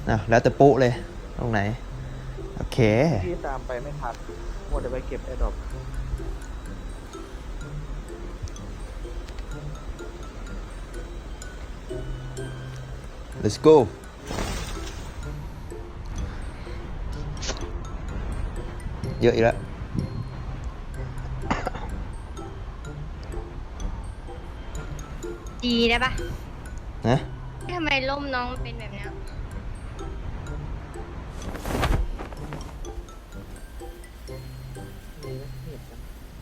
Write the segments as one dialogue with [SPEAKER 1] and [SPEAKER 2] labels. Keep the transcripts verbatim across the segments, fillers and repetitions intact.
[SPEAKER 1] อ่ะแล้วแต่ปุ๊เลยตรงไหนโอเค
[SPEAKER 2] พี่ตามไปไม่ทันมัวแต่ไปเก็บแอร์ดรอป
[SPEAKER 1] let's go เยอะอีกแล้ว
[SPEAKER 3] ดีได้ปะ
[SPEAKER 1] นะ
[SPEAKER 3] ทำไมล่มน้องเป็นแบบเนี้ย
[SPEAKER 2] มีไหมเห็นกัน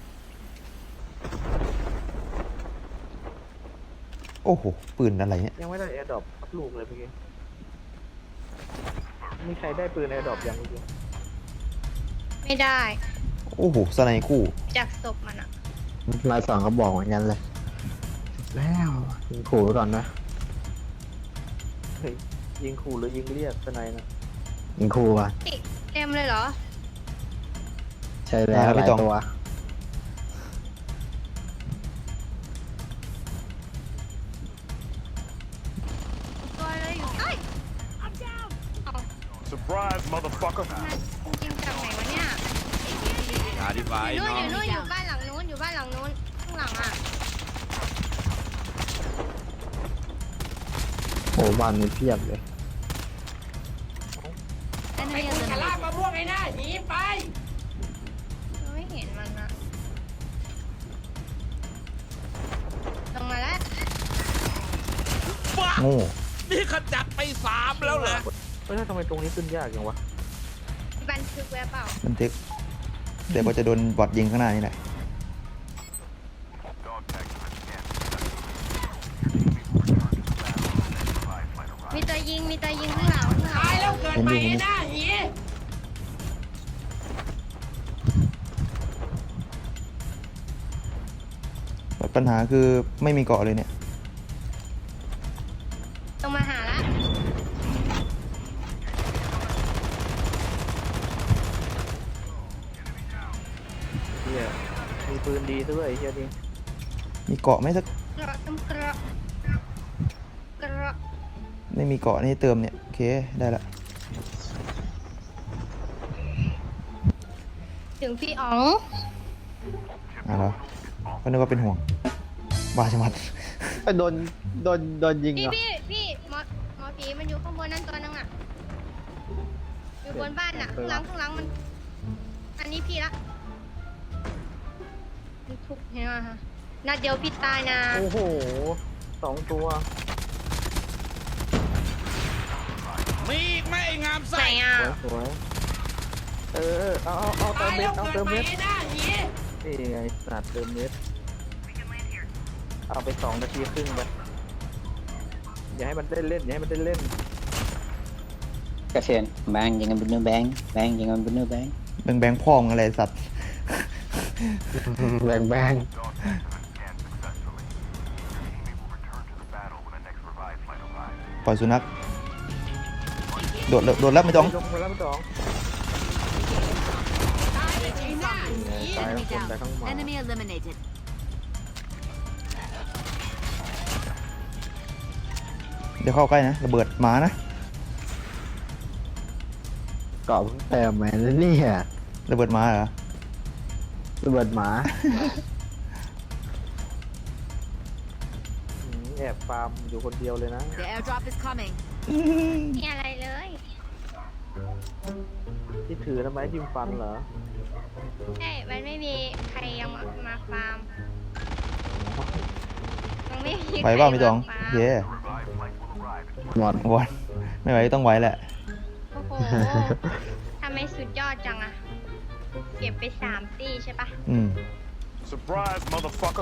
[SPEAKER 1] โอ้โหปืนอะไรเนี่ย
[SPEAKER 2] ยังไม่ได้แอร์ดรอปสักลูกเลยเมื่อกี้มีใครได้ปืนแอร์ดรอปยังเมื่อกี้
[SPEAKER 3] ไม่ได้
[SPEAKER 1] โอ้โหสไนคู่
[SPEAKER 3] จากศพมันอะ
[SPEAKER 4] ลายสองก็บอกเหมือนกันเลยแล้วยิงขู่ไว้ก่อนนะ
[SPEAKER 2] เฮ้ยยิงขู่หรือยิงเรียกสไนนะ
[SPEAKER 4] ยิงขู่อ่ะ
[SPEAKER 3] ติเต็มเลยเหรอ
[SPEAKER 4] ใช่แล้วหลายตัว
[SPEAKER 3] ตัวเลยอยู่เอ้ย
[SPEAKER 5] Surprise, motherfucker.
[SPEAKER 3] มาจริงๆจากไหนวะเนี่ย
[SPEAKER 5] งานดีไว้
[SPEAKER 3] อยู่นู่น
[SPEAKER 5] น้
[SPEAKER 3] อ
[SPEAKER 5] อง
[SPEAKER 3] ยู่นู่นอยู่บ้านหลังนู้นอยู่บ้านหลังนู้นข้างหลังอะ
[SPEAKER 4] โอ้บ้านนี้เพียบเลย
[SPEAKER 6] ไปคุณกะลาบมะม่วงไอ้หน้าหนีไป
[SPEAKER 3] เราไม่เห็นมันอะลงมาแล้ว
[SPEAKER 1] โง่
[SPEAKER 5] นี่ขจัดไปสามแล้วเหรอ
[SPEAKER 2] เฮ้ยทำไมตรงนี้ขึ้นยากจังวะ
[SPEAKER 3] บันทึกไว้เปล่า
[SPEAKER 1] บันทึกเดี๋ยวก็จะโดนบอทยิงข้างหน้านี่แหละ
[SPEAKER 3] มีตัวยิงมีตัวยิงข้างหลังข้างหลั
[SPEAKER 6] ตาย
[SPEAKER 3] ง
[SPEAKER 6] แล้วเกิดใหม่ไอ้หน้าหนี
[SPEAKER 1] ปัญหาคือไม่มีเกาะเลยเนี่ย
[SPEAKER 3] ลงมาหาละ
[SPEAKER 2] เฮียมีปืนดีซะด้วยไอ้เฮียนี่
[SPEAKER 1] มีเกาะไหมสัก
[SPEAKER 3] กระตุ้มกระกระ
[SPEAKER 1] ไม่มีเกาะนี่เติมเนี่ยโอเคได้ละ
[SPEAKER 3] ถึงพี่อ๋อง
[SPEAKER 1] อ่ะเหรอก็นึกว่าเป็นห่วงบ้าชะมัด
[SPEAKER 4] โดนโดนโดนยิง
[SPEAKER 3] พี่
[SPEAKER 4] เหรอ
[SPEAKER 3] พี่พี่หมอหมอผีมันอยู่ข้างบนนั่นตัวนึงอ่ะ อยู่บนบ้านอ่ะข้างหลังข้างหลังมัน อันนี้พี่ละมันทุบเห็นไหมฮะนัดเดียวพี่ตายนะ
[SPEAKER 2] โอ้โหสองตัว
[SPEAKER 5] มีอีกไหมไอ้งาม
[SPEAKER 3] ไหน
[SPEAKER 5] ไส้
[SPEAKER 3] อ่ะ
[SPEAKER 2] สวยๆเออเอาเอาเอาเติ
[SPEAKER 6] ตาม ย
[SPEAKER 2] เม็
[SPEAKER 6] แล้
[SPEAKER 2] ด
[SPEAKER 6] ว
[SPEAKER 2] เอา
[SPEAKER 6] เกิด
[SPEAKER 2] เติม
[SPEAKER 6] ใหม่
[SPEAKER 2] เม็ด
[SPEAKER 6] ไอ้หน้าหนี
[SPEAKER 2] นี่ไงสัตว์เติมเม็ดเอาไปสองนาทีครึ่งไปอย่าให้มันเล่นเล่นอย่าให้มันเล่นเล่น
[SPEAKER 7] Kasihan, bang, jangan bunuh bang, bang, jangan bunuh bang.
[SPEAKER 1] แบงแบงพ่องอะไรสัตว์
[SPEAKER 4] แบงแบง
[SPEAKER 1] ปล่อยสุนัขโดดโดดแล้วไม่ต้อง
[SPEAKER 2] ลงไปแล้วไม่ต้อง
[SPEAKER 6] ตายเลยไอ้หน้าหนี
[SPEAKER 2] ตายทั้งคนตายทั้งหมา
[SPEAKER 8] Enemy eliminated.
[SPEAKER 1] เดี๋ยวเข้าใกล้นะระเบิดหมานะ
[SPEAKER 4] เกาะเพิ่งเติมมาแล้วเนี่ย
[SPEAKER 1] ระเบิดหมาเหรอ
[SPEAKER 4] ระเบิดหมา
[SPEAKER 2] อืมแอบฟาร์มอยู่คนเดียวเลยนะ
[SPEAKER 8] The airdrop is coming.
[SPEAKER 3] มีอะไรเลย
[SPEAKER 2] ที่ถือทำไมจิ้มฟันเหรอ
[SPEAKER 3] ใช่มันไม่มีใครยังมามาฟาร์มยังไม่มี
[SPEAKER 1] ไหวเปล่าไม่ต้อง
[SPEAKER 3] ฟาร์ม
[SPEAKER 1] เย่
[SPEAKER 4] หมด
[SPEAKER 1] วอนไม่ไหวต้องไหวแหละ
[SPEAKER 3] โอ้โหทำไมสุดยอดจังอะเก็บไปสามตีใช่ปะ
[SPEAKER 1] อืม
[SPEAKER 5] Surprise, motherfucker.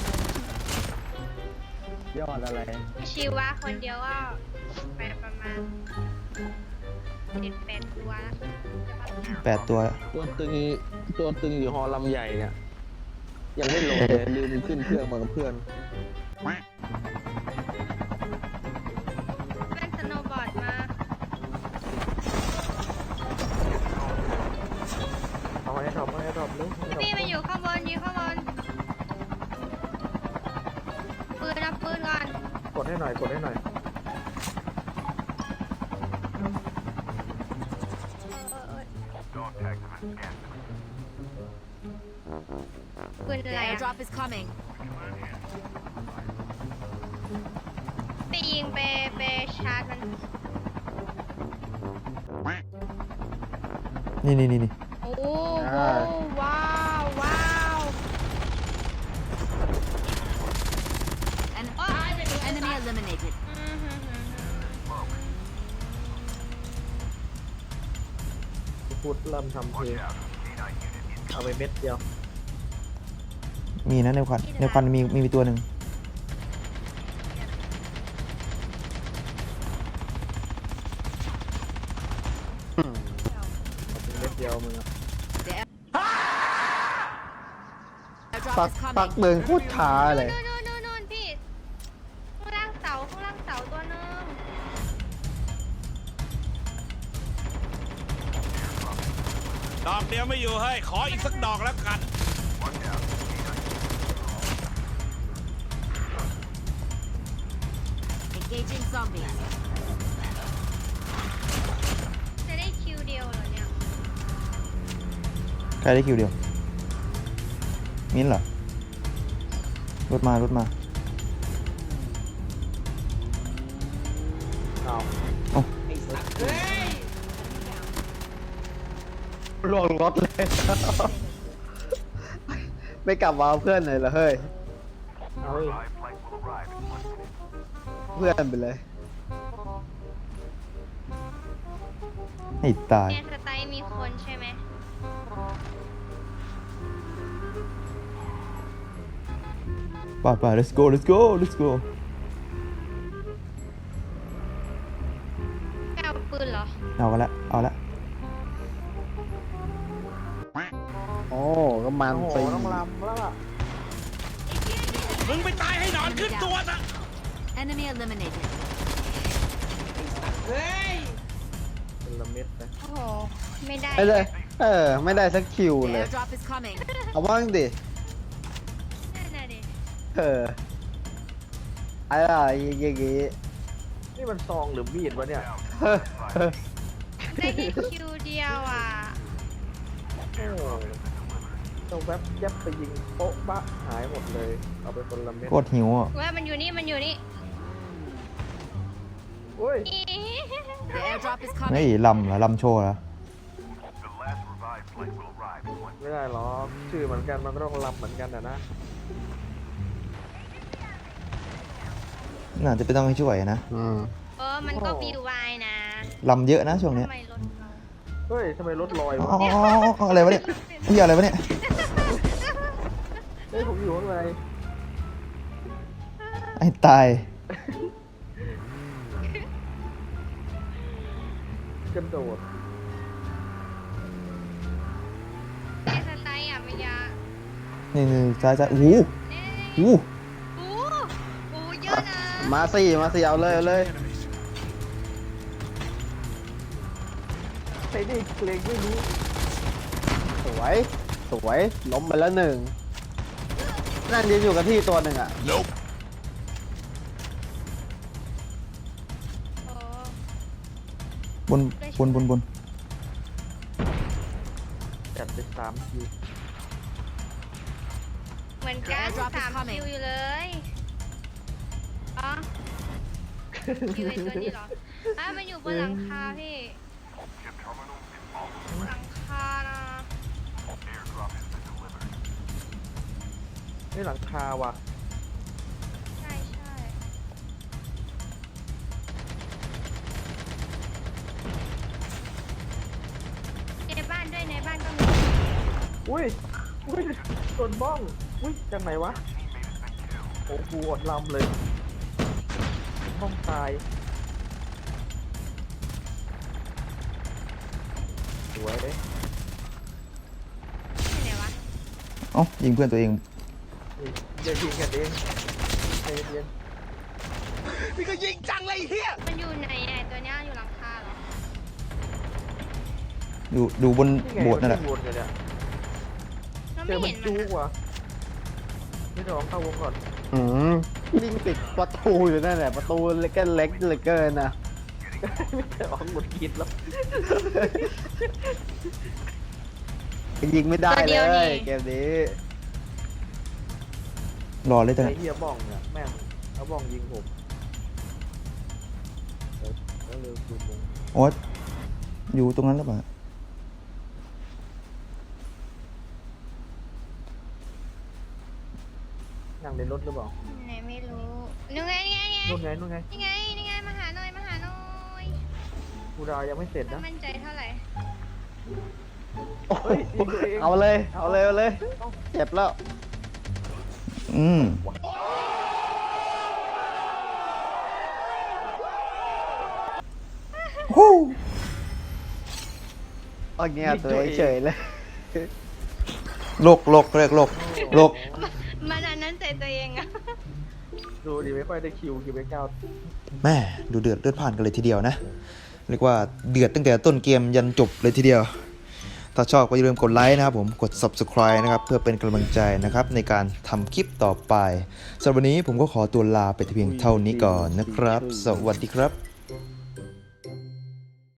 [SPEAKER 4] ยอดอะไร
[SPEAKER 3] ชีวะคนเดียวก็ไปประมาณเจ็ดแปดตัวแล้วใช่ปะ
[SPEAKER 1] แปดตัว
[SPEAKER 9] ตัวตึงตัวตึงอยู่ฮอลำใหญ่เนี่ยยังไม่ลงเลยลืมขึ้นเครื่องมากับเพื่อน
[SPEAKER 3] เล่นสโนว์บอร์ดมา
[SPEAKER 2] เอาไอ้ดรอปเอาไอ้ดรอปเลยเอาไอ้ดรอป
[SPEAKER 3] พี่มันอยู่ข้างบนอยู่ข้างบนปืนรับปืนก่อน
[SPEAKER 2] กดให้หน่อยกดให้หน่อย
[SPEAKER 3] คือ
[SPEAKER 8] The
[SPEAKER 3] อะไรอะ
[SPEAKER 8] airdrop is coming.
[SPEAKER 3] ไปยิงไปไปชาร์จมัน
[SPEAKER 1] นี่นี่นี่นี่
[SPEAKER 3] โอ้โหว้าวว้าว
[SPEAKER 8] An enemy eliminated.
[SPEAKER 3] อืมฮึ่มฮึ่มฮึ่ม
[SPEAKER 2] พูดเริ่มทำเพลงเอาไปเม็ดเดียว
[SPEAKER 1] มีนะในควันในควันมีมีมีตัวหนึ่ง
[SPEAKER 2] เอาไปเม็ดเดียวมึงอะ
[SPEAKER 8] Airdrop
[SPEAKER 4] ปัก
[SPEAKER 8] is
[SPEAKER 4] ปัก
[SPEAKER 8] coming.
[SPEAKER 4] เดินโคตรช้าเลย
[SPEAKER 3] นู่นนู่นนู่นนู่นพี่ข้างล่างเสาข้างล่างเสาตัวหนึง
[SPEAKER 5] ดอกเดียวไม่อยู่เฮ้ย ขออีกสักดอกแล้วกัน
[SPEAKER 8] Engaging zombies.
[SPEAKER 3] จะได้คิวเดียวเหรอเนี่ย
[SPEAKER 1] ใครได้คิวเดียว มิ้นท์เหรอ รถมารถมา
[SPEAKER 2] เอา
[SPEAKER 1] เอ้า
[SPEAKER 4] ลวงรถเลย ไม่กลับมาเอาเพื่อนเลยเหรอเฮ้ย
[SPEAKER 2] เอาเฮ้ย
[SPEAKER 4] เพื่อนไปเลย
[SPEAKER 1] ให้ตาย
[SPEAKER 3] แอนสไตล์มีคนใช่ไหม
[SPEAKER 1] ป่าป่า let's go let's go let's go
[SPEAKER 3] ไปเอาปืนเหรอ
[SPEAKER 1] เอากันละเอาละ
[SPEAKER 4] โอ้ก็มัน
[SPEAKER 2] โอ้โห
[SPEAKER 4] สิ
[SPEAKER 2] ต้องลำแล้วล่ะ
[SPEAKER 5] มึงไปตายให้นอนขึ้นตัวซะ
[SPEAKER 8] Enemy eliminated.
[SPEAKER 6] เฮ้ย
[SPEAKER 2] เป็นละเม็ดนะ
[SPEAKER 3] โอ้โห ไม่ได้
[SPEAKER 4] ไม่ได้เออ ไม่ได้สักคิว
[SPEAKER 8] The
[SPEAKER 4] เลย
[SPEAKER 8] airdrop is coming.
[SPEAKER 4] เอาบ้างดิ
[SPEAKER 3] นั่นน่ะดิ
[SPEAKER 4] เอออะไรอย่างงี้
[SPEAKER 2] นี่มันซองหรือมีดวะเนี่ย
[SPEAKER 4] เฮ้ยเฮ้ย
[SPEAKER 3] ได้แค่คิวเดียวอ่ะ
[SPEAKER 2] โอ้ต้องแวบยับไปยิงโป๊ะบะหายหมดเลย เอาไปคนละเม็ด
[SPEAKER 1] โคตรหิวอ่ะ
[SPEAKER 3] ว่ามันอยู่นี่ มันอยู่นี่
[SPEAKER 2] โอ้ย
[SPEAKER 8] The airdrop is
[SPEAKER 1] เฮ้ย
[SPEAKER 8] coming.
[SPEAKER 1] ลำเหรอลำโชว์เหรอ
[SPEAKER 2] ไม่ได้หรอกชื่อเหมือนกันมันก็ต้องลำเหมือนกันนะนะ
[SPEAKER 1] น่าจะไปต้องให้ช่วยนะ
[SPEAKER 4] อืม
[SPEAKER 3] เออ มันก็บิวไวนะ
[SPEAKER 1] ลำเยอะนะช่วงเนี้ย
[SPEAKER 3] ทำไมรถเรา
[SPEAKER 2] เฮ้ยทำไมรถลอย
[SPEAKER 1] อ๋อ
[SPEAKER 2] วะ
[SPEAKER 1] อ๋ออ๋ออ๋ออะไรวะเนี่ยเฮียอะไรวะเนี่ย
[SPEAKER 2] เฮ้ยผมอยู่ข้างใน
[SPEAKER 1] ไอ้ตาย
[SPEAKER 2] กระโดด
[SPEAKER 3] ไอ้สไตล์อ่ะไม่ยา
[SPEAKER 1] นี่นี่ซ้ายซ้ายโอ้โห
[SPEAKER 3] นี่
[SPEAKER 1] โอ้โห
[SPEAKER 3] โอ้โหเยอะนะ
[SPEAKER 4] มาสิมาสิเอาเลยเอาเลย
[SPEAKER 2] ใส่ดิเกรงไม่รู้
[SPEAKER 4] สวย สวย ล้มไปแล้วหนึ่ง นั่นยืนอยู่กับที่ตัวหนึ่งอ่ะ
[SPEAKER 5] Nope
[SPEAKER 3] โอ้
[SPEAKER 1] บนบนบนบน
[SPEAKER 2] จัดไปสามที
[SPEAKER 3] เหมือนกัน
[SPEAKER 8] The airdrop is
[SPEAKER 3] สาม
[SPEAKER 8] coming
[SPEAKER 3] คิวอยู่เลยอ๋อคิวไอ้ตัวนี้เหรออ่ะมันอยู่บนหลังคาพี่ หลังคานะ
[SPEAKER 2] นี่หลังคาว่ะ
[SPEAKER 3] ใช่ใช่ในบ้านด้วยในบ้านก็มี
[SPEAKER 2] อุ้ย อุ้ยโดนบ้อง อุ้ยจากไหนวะ โอ้โหอดลำเลย บ้องตาย สวยเลย
[SPEAKER 3] ที่ไหนวะ
[SPEAKER 1] เอ้ายิงเพื่อนตัวเอง
[SPEAKER 2] นี่เดี๋ยวยิงกันเองใจเย็น
[SPEAKER 5] นี่ก็ยิงจังเลยเฮีย
[SPEAKER 3] มันอยู่ไหนไอ้ตัวเนี้ยอยู่หลังคาเหรอ
[SPEAKER 1] อยู่ดูบน
[SPEAKER 2] ๆนี่ไง
[SPEAKER 1] โบสถ์นั่นแหละ
[SPEAKER 2] มัวนอยู่เนี่ย
[SPEAKER 3] เรา
[SPEAKER 2] เจ
[SPEAKER 3] ไม่
[SPEAKER 2] อมั
[SPEAKER 3] เห็
[SPEAKER 2] น
[SPEAKER 3] น
[SPEAKER 2] จู
[SPEAKER 3] มัน
[SPEAKER 2] ก
[SPEAKER 3] อะ
[SPEAKER 2] ว่ะนี่ลองเข้าวงก่อน
[SPEAKER 4] อืมยิงติดประตูอยู่นั่นแหละ ประตูเล็กเล็กเหลือเกินนะ
[SPEAKER 2] ไม่ได้ออกหมดกินแล้ว
[SPEAKER 4] ยิงไม่ได้เลยเกมนี้
[SPEAKER 1] รอเลยแต่
[SPEAKER 2] ไอ้เฮียบ้องเนี่ยแม่งเอาบ้องยิงผมเออแล้วเร็วดูมง
[SPEAKER 1] โอ๊ตอยู่ตรงนั้นหรือเปล่า
[SPEAKER 2] นั่งในรถหรือเปล่า
[SPEAKER 3] ไหนไม่รู้นี่ไงนี่ไงนี่ไง
[SPEAKER 2] นู่นไงนู่นไง
[SPEAKER 3] นี่ไงนี่ไงมาหาหน่อยมาหาหน่อย
[SPEAKER 2] กูดาวยังไม่เสร็จ
[SPEAKER 3] ไม่
[SPEAKER 2] นะ
[SPEAKER 3] มั่นใจเท่าไหร่
[SPEAKER 4] โอ้โห
[SPEAKER 2] เฮ้ยยิงตัวเอง
[SPEAKER 4] เอาเลย เอาเลย เอาเลย เจ็บแล้ว
[SPEAKER 1] อืมฮู้
[SPEAKER 4] เอาเงี้ยตัวเองเฉยเลย
[SPEAKER 1] โลกโลกเรียกโลกโลก
[SPEAKER 3] มันอันนั้นใจตัวเองอะ
[SPEAKER 2] ดูดิไม่ค่อยได้คิวคิวไปเก้า
[SPEAKER 1] แม่ดูเดือดเลือดผ่านกันเลยทีเดียวนะ เรียกว่าเดือดตั้งแต่ต้นเกมยันจบเลยทีเดียว ถ้าชอบก็อย่าลืมกดไลค์นะครับผมกด ซับสไครบ์ นะครับเพื่อเป็นกำลังใจนะครับในการทำคลิปต่อไปสำหรับวันนี้ผมก็ขอตัวลาไปแต่เพียงเท่านี้ก่อนนะครับ สวัสดีครับ